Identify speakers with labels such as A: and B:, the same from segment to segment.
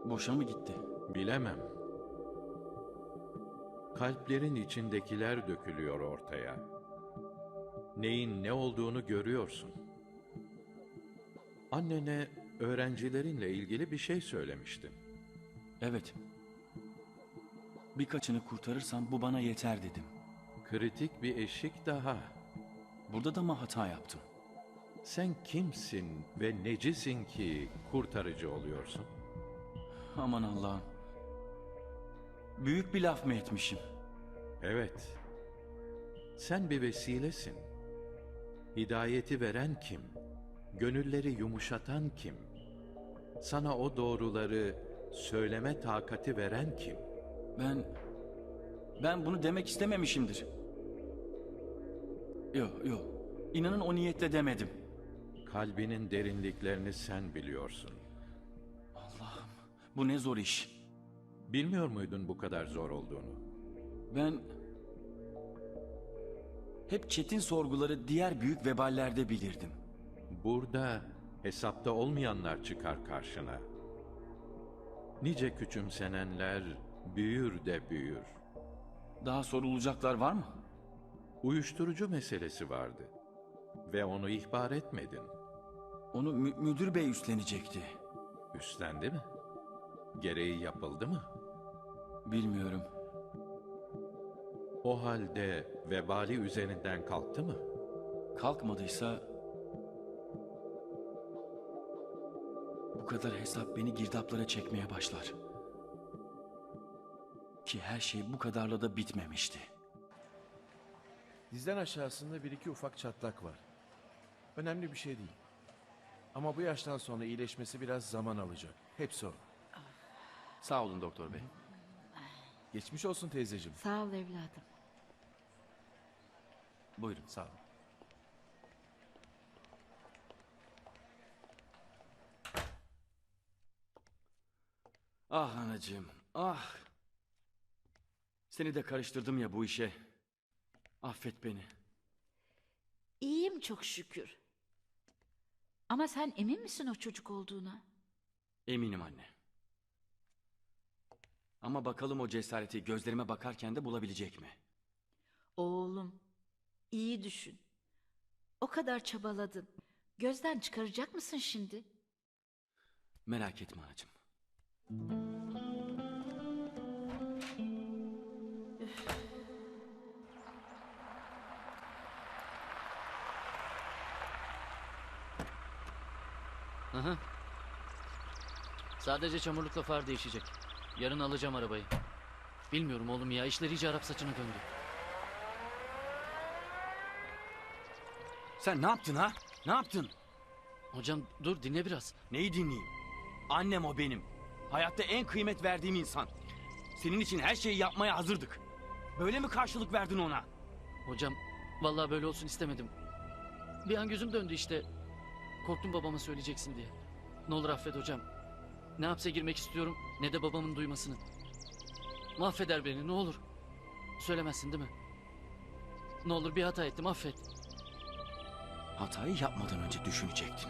A: Boşa mı gitti?
B: Bilemem. Kalplerin içindekiler dökülüyor ortaya. Neyin ne olduğunu görüyorsun. Annene öğrencilerinle ilgili bir şey söylemiştin.
A: Evet. Birkaçını kurtarırsam bu bana yeter dedim.
B: Kritik bir eşik daha.
A: Burada da mı hata yaptım?
B: Sen kimsin ve necisin ki kurtarıcı oluyorsun?
A: Aman Allah'ım. Büyük bir laf mı etmişim?
B: Evet. Sen bir vesilesin. Hidayeti veren kim? Gönülleri yumuşatan kim? Sana o doğruları söyleme takati veren kim?
A: Ben bunu demek istememişimdir. Yok. İnanın o niyetle demedim.
B: Kalbinin derinliklerini sen biliyorsun.
A: Allah'ım, bu ne zor iş.
B: Bilmiyor muydun bu kadar zor olduğunu?
A: Ben hep çetin sorguları diğer büyük veballerde bilirdim.
B: Burada hesapta olmayanlar çıkar karşına. Nice küçümsenenler büyür de büyür.
A: Daha sorulacaklar var mı?
B: Uyuşturucu meselesi vardı ve onu ihbar etmedin.
A: Onu müdür bey üstlenecekti.
B: Üstlendi mi? Gereği yapıldı mı?
A: Bilmiyorum.
B: O halde vebali üzerinden kalktı mı?
A: Kalkmadıysa bu kadar hesap beni girdaplara çekmeye başlar. Ki her şey bu kadarla da bitmemişti.
C: Dizden aşağısında bir iki ufak çatlak var. Önemli bir şey değil. Ama bu yaştan sonra iyileşmesi biraz zaman alacak. Hepsi o.
D: Sağ olun doktor bey.
C: Geçmiş olsun teyzeciğim.
E: Sağ ol evladım.
A: Buyurun.
C: Sağ ol.
A: Ah anacığım, ah. Seni de karıştırdım ya bu işe. Affet beni.
E: İyiyim çok şükür. Ama sen emin misin o çocuk olduğuna?
A: Eminim anne. Ama bakalım o cesareti gözlerime bakarken de bulabilecek mi?
E: Oğlum, iyi düşün. O kadar çabaladın. Gözden çıkaracak mısın şimdi?
A: Merak etme anacığım.
D: Aha. Sadece çamurlukla far değişecek. Yarın alacağım arabayı. Bilmiyorum oğlum ya, işler iyice Arap saçına döndü.
A: Sen ne yaptın ha? Ne yaptın?
D: Hocam dur dinle biraz.
A: Neyi dinleyeyim? Annem o benim. Hayatta en kıymet verdiğim insan. Senin için her şeyi yapmaya hazırdık. Böyle mi karşılık verdin ona?
D: Hocam vallahi böyle olsun istemedim. Bir an gözüm döndü işte. Korktum babama söyleyeceksin diye. Ne olur affet hocam. Ne hapse girmek istiyorum ne de babamın duymasını. Mahveder beni ne olur. Söylemezsin değil mi? Ne olur bir hata ettim affet.
A: Hatayı yapmadan önce düşünecektin.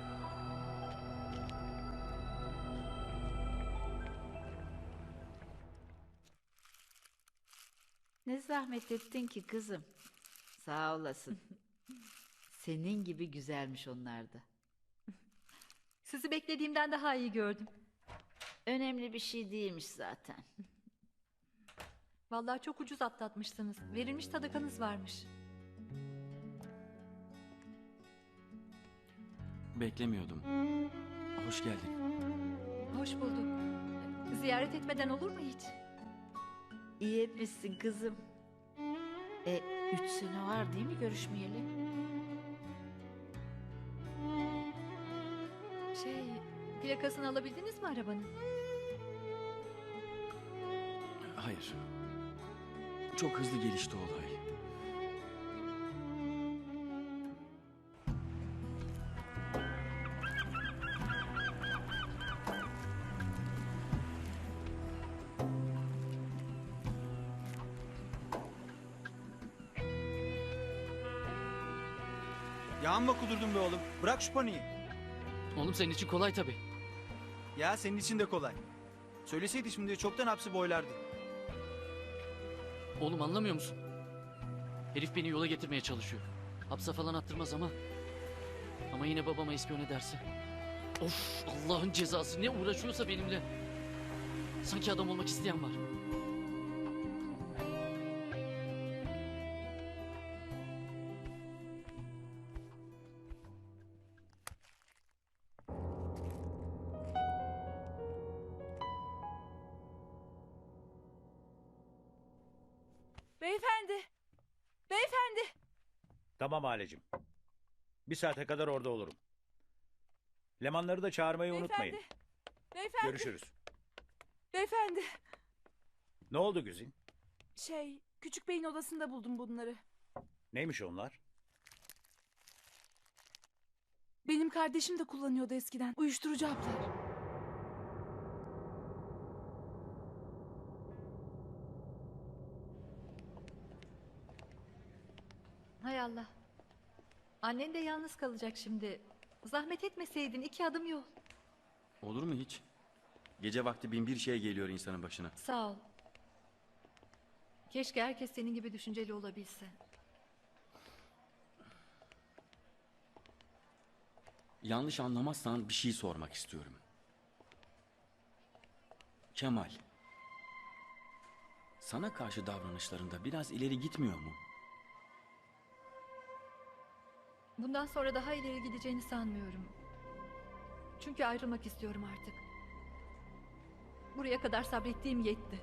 E: Ne zahmet ettin ki kızım. Sağ olasın. Senin gibi güzelmiş onlar da.
F: Sizi beklediğimden daha iyi gördüm.
E: Önemli bir şey değilmiş zaten.
F: Vallahi çok ucuz atlatmışsınız. Verilmiş sadakanız varmış.
A: Beklemiyordum. Hoş geldin.
F: Hoş bulduk. Ziyaret etmeden olur mu hiç?
E: İyi etmişsin kızım. 3 sene var değil mi görüşmeyeli?
F: Plakasını alabildiniz mi arabanın?
A: Hayır. Çok hızlı gelişti olay.
G: Yağmla kudurdun be oğlum. Bırak şu paniği.
D: Oğlum senin için kolay tabii.
G: Ya senin için de kolay. Söyleseydi şimdi çoktan hapsi boylardı.
D: Oğlum anlamıyor musun? Herif beni yola getirmeye çalışıyor. Hapse falan attırmaz ama. Ama yine babama ispiyon ederse. Of, Allah'ın cezası, ne uğraşıyorsa benimle. Sanki adam olmak isteyen var.
H: Beyefendi. Beyefendi.
I: Tamam Halecim. Bir saate kadar orada olurum. Lemanları da çağırmayı unutmayın.
H: Beyefendi.
I: Görüşürüz.
H: Beyefendi.
I: Ne oldu Güzin?
H: Küçük beyin odasında buldum bunları.
I: Neymiş onlar?
H: Benim kardeşim de kullanıyordu eskiden. Uyuşturucu haplar.
F: Hay Allah. Annen de yalnız kalacak şimdi. Zahmet etmeseydin 2 adım yol.
A: Olur mu hiç? Gece vakti bin bir şey geliyor insanın başına.
F: Sağ ol. Keşke herkes senin gibi düşünceli olabilse.
A: Yanlış anlamazsan bir şey sormak istiyorum. Kemal, sana karşı davranışlarında biraz ileri gitmiyor mu?
F: Bundan sonra daha ileri gideceğini sanmıyorum. Çünkü ayrılmak istiyorum artık. Buraya kadar sabrettiğim yetti.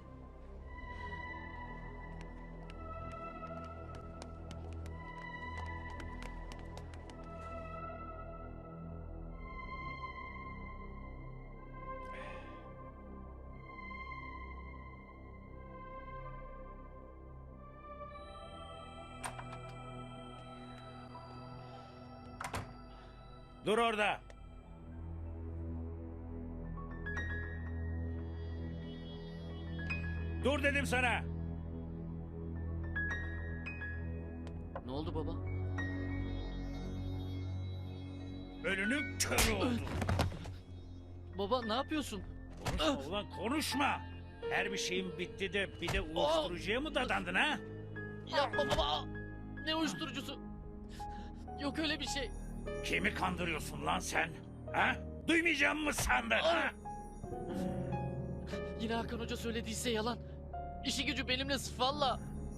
I: Dur orada. Dur dedim sana.
D: Ne oldu baba?
I: Önünün körü oldu.
D: Baba ne yapıyorsun?
I: Konuşma ulan konuşma. Her bir şeyin bitti de bir de uyuşturucuya mı dadandın ha?
D: Yapma baba. Ne uyuşturucusu? Yok öyle bir şey.
I: Kimi kandırıyorsun lan sen? Ha? Duymayacağım mı sandın ha?
D: Yine Hakan Hoca söylediyse yalan. İşi gücü benimle valla.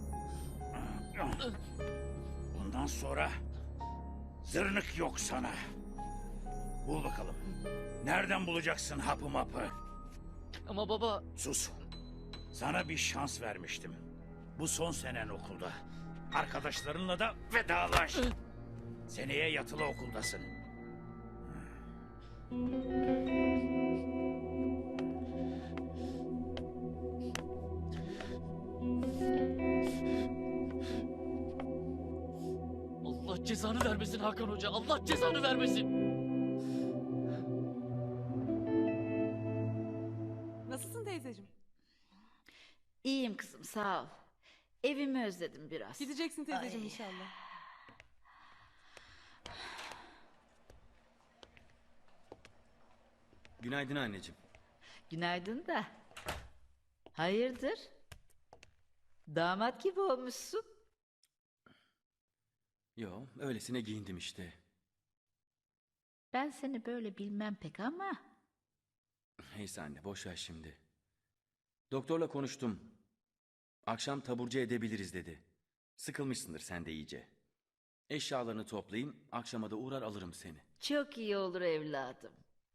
I: Bundan sonra zırnık yok sana. Bul bakalım. Nereden bulacaksın hapı mapı?
D: Ama baba
I: Sus. Sana bir şans vermiştim. Bu son senen okulda. Arkadaşlarınla da vedalaş. Seneye yatılı okuldasın.
D: Allah cezanı vermesin Hakan Hoca. Allah cezanı vermesin.
H: Nasılsın teyzeciğim?
E: İyiyim kızım, sağ ol. Evimi özledim biraz.
H: Gideceksin teyzeciğim
E: Ay.
H: inşallah.
A: Günaydın anneciğim.
E: Günaydın da. Hayırdır? Damat gibi olmuşsun.
A: Yo, öylesine giyindim işte.
E: Ben seni böyle bilmem pek ama...
A: Neyse anne, boş ver şimdi. Doktorla konuştum. Akşam taburcu edebiliriz dedi. Sıkılmışsındır sen de iyice. Eşyalarını toplayayım, akşama da uğrar alırım seni.
E: Çok iyi olur evladım.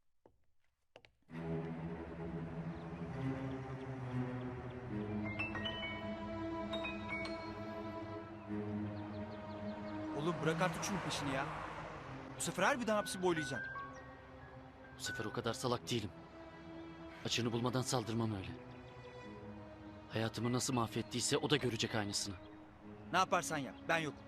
G: Oğlum bırak artık şunun peşini ya. Bu sefer harbiden hapsi boylayacağım.
D: Bu sefer o kadar salak değilim. Açığını bulmadan saldırmam öyle. Hayatımı nasıl mahvettiyse o da görecek aynısını.
G: Ne yaparsan yap, ben yokum.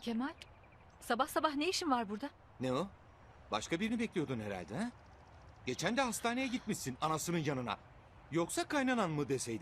F: Kemal, sabah sabah ne işin var burada?
J: Ne o? Başka birini bekliyordun herhalde ha? Geçen de hastaneye gitmişsin anasının yanına. Yoksa kaynanan mı deseydin?